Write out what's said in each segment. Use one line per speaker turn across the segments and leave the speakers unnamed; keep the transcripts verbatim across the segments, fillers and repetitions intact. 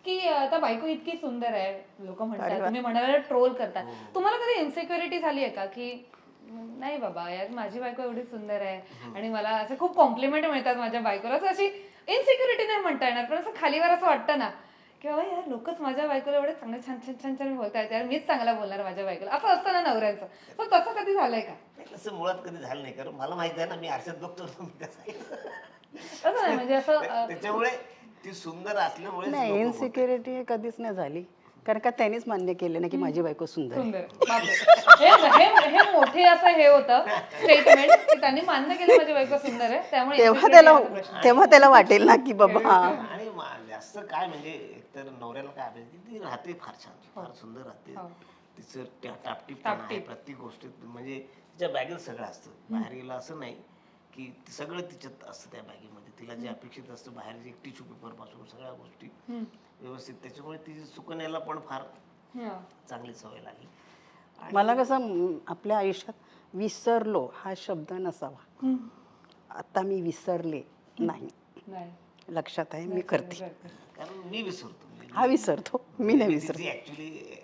की आता बायको इतकी सुंदर आहे, लोक म्हणतात, तुम्ही म्हणाला ट्रोल करता, तुम्हाला कधी इन्सिक्युरिटी झाली आहे का की नाही बाबा यार माझी बायको एवढी सुंदर आहे आणि मला असे खूप कॉम्प्लिमेंट मिळतात माझ्या बायकोला, असं अशी इन्सिक्युरिटी नाही म्हणता येणार पण असं खालीवर असं वाटतं ना की बाबा यार लोकच माझ्या बायकोला एवढे चांगले छान छान छान छान बोलतायत, यार मीच चांगला बोलणार माझ्या बायकोला, असं असतं ना नवऱ्यांचं. तर तसं कधी झालंय का?
तसं मुळात कधी झालं नाही, कारण मला माहिती आहे ना मी आरशात बघतो
तसं नाही म्हणजे असं
त्याच्यामुळे ती सुंदर असल्यामुळे
नाही इन्सिक्युरिटी कधीच नाही झाली, कारण का त्यांनीच मान्य केलं ना की माझी बायको सुंदर आहे.
सुंदर बापरे. हे हे- हे मोठे असं हे होतं स्टेटमेंट की त्यांनी मान्य केलं माझी बायको सुंदर आहे त्यामुळे
तेव्हा त्याला तेव्हा त्याला वाटेल ना की बाबा हा
आणि मा- जास्त काय म्हणजे एकतर नवऱ्याला काय अपेक्षा, ती राहते फार छान, फार सुंदर राहते, तिचं त्या- टापटीप आहे प्रत्येक गोष्टीत, म्हणजे तिच्या बॅगेत सगळं असतं, बाहेर गेलं असं नाही की सगळं तिच्यात असतं त्या बॅगेमध्ये, तिला जे अपेक्षित असतं बाहेर जे टिश्यू पेपर पासून सगळ्या गोष्टी व्यवस्थित, त्याच्यामुळे ती सुकन्याला पण फार चांगली सवय लागली.
मला कसं म, आपल्या आयुष्यात विसरलो हा शब्द नसावा. आता मी विसरले नाही,
नाही
लक्षात आहे, मी करते.
कारण मी विसरतो,
हा विसरतो, मी नाही विसरत.
ऍक्च्युली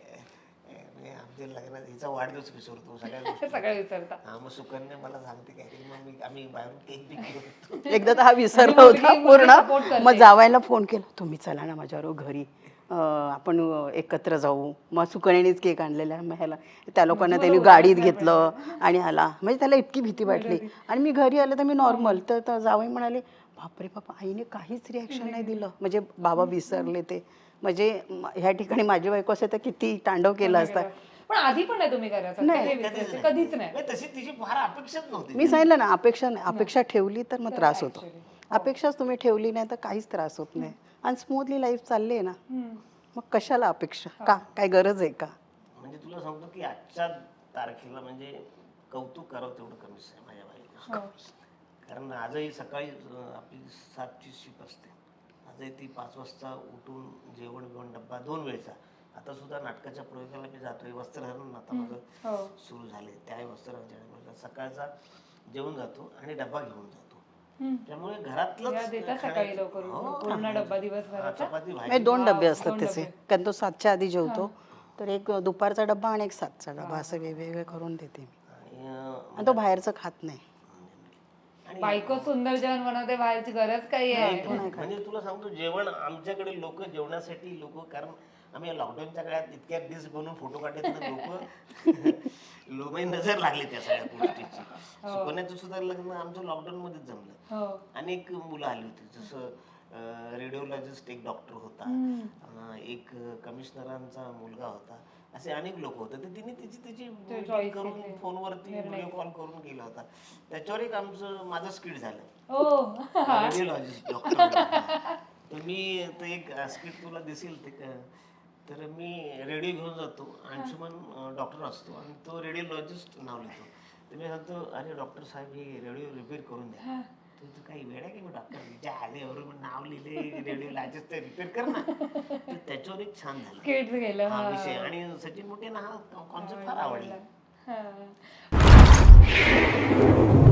आमच्या लग्नात हिचा वाढदिवस विसरतो, सगळ्या गोष्टी
सगळं विसरता.
हा, मग सुकन्या मला सांगते काय की मग मी आम्ही बाहेरून केक बी घेऊन
एकदा तर हा विसरला होता पूर्ण, मग जावायला फोन केला, तुम्ही चला ना माझ्याबरोबर घरी, अं, आपण एकत्र जाऊ. मग सुकण्यानेच केक आणलेला, मग ह्याला त्या लोकांना त्यांनी गाडीत घेतलं आणि आला, म्हणजे त्याला इतकी भीती वाटली. आणि मी घरी आलं तर मी नॉर्मल, तर जावई म्हणाले बापरे बापा आईने काहीच रिॲक्शन नाही दिलं, म्हणजे बाबा विसरले ते. म्हणजे ह्या ठिकाणी माझी बायको असे तर किती तांडव केलं असतं.
पण आधी पण नाही तुम्ही करायचं कधीच नाही.
तशी तिची फार अपेक्षाच नव्हती.
मी सांगितलं ना, अपेक्षा नाही, अपेक्षा ठेवली तर मग त्रास होतो. अपेक्षाच तुम्ही ठेवली नाही तर काहीच त्रास होत नाही आणि स्मूथली लाईफ चालली आहे ना, मग कशाला अपेक्षा, का काय गरज आहे का?
म्हणजे तुला सांगतो की आजच्या तारखेला म्हणजे कौतुक करावं तेवढं कमीच आहे माझ्या बाईला, कारण आजही सकाळी अं, आपली सातची शिप असते, आजही ती पाच वाजता उठून जेवण बिवण डब्बा दोन वेळचा, आता सुद्धा नाटकाच्या प्रयोगाला मी जातोय, वस्त्रहरण आता माझं सुरू झाले, त्या वस्त्रहरण सकाळचा जेवण जातो आणि डब्बा घेऊन जातो, त्यामुळे घरातलं
सकाळी लवकर पूर्ण डब्बा दिवसभराचा
चपाती
म्हणजे दोन डबे असतात त्याचे, कारण तो सातच्या आधी जेवतो, तर एक दुपारचा डब्बा आणि एक सातचा डब्बा असं वेगवेगळे करून देते मी, आणि तो बाहेरचं खात नाही.
बायको सुंदर जेवण बनवते, बाहेरची गरज काही आहे?
म्हणजे तुला सांगतो जेवण आमच्याकडे लोक जेवणासाठी लोक, कारण आम्ही लॉकडाऊनच्या काळात इतक्या डिश बनवून फोटो काढत लोक लोक नजर लागली त्या सगळ्या गोष्टीची. सुकन्याचं सुद्धा लग्न आमचं लॉकडाऊन मध्येच जमलं. अनेक मुलं आली होती, जसं रेडिओलॉजिस्ट एक डॉक्टर होता, एक कमिशनरांचा मुलगा होता, असे अनेक लोक होते. तर तिने तिची तिची मीटिंग करून फोनवरती व्हिडिओ कॉल करून केला होता, त्याच्यावर एक आमचं माझं स्किट झालं, रेडिओलॉजिस्ट डॉक्टर. तर मी तर एक स्किट तुला दिसेल ते, तर मी रेडिओ घेऊन जातो, अंशुमन डॉक्टर असतो आणि तो रेडिओलॉजिस्ट नाव लिहितो. तर मी सांगतो अरे डॉक्टर साहेब हे रेडिओ रिपेअर करून द्या. तर काही वेळ आहे की मी डॉक्टर आले नाव लिहिले रेडिओलॉजिस्ट ते रिपेअर कर ना. तर त्याच्यावर एक छान झालं हा विषय, आणि सचिन मोठे ना हा कॉन्सेप्ट फार आवडला.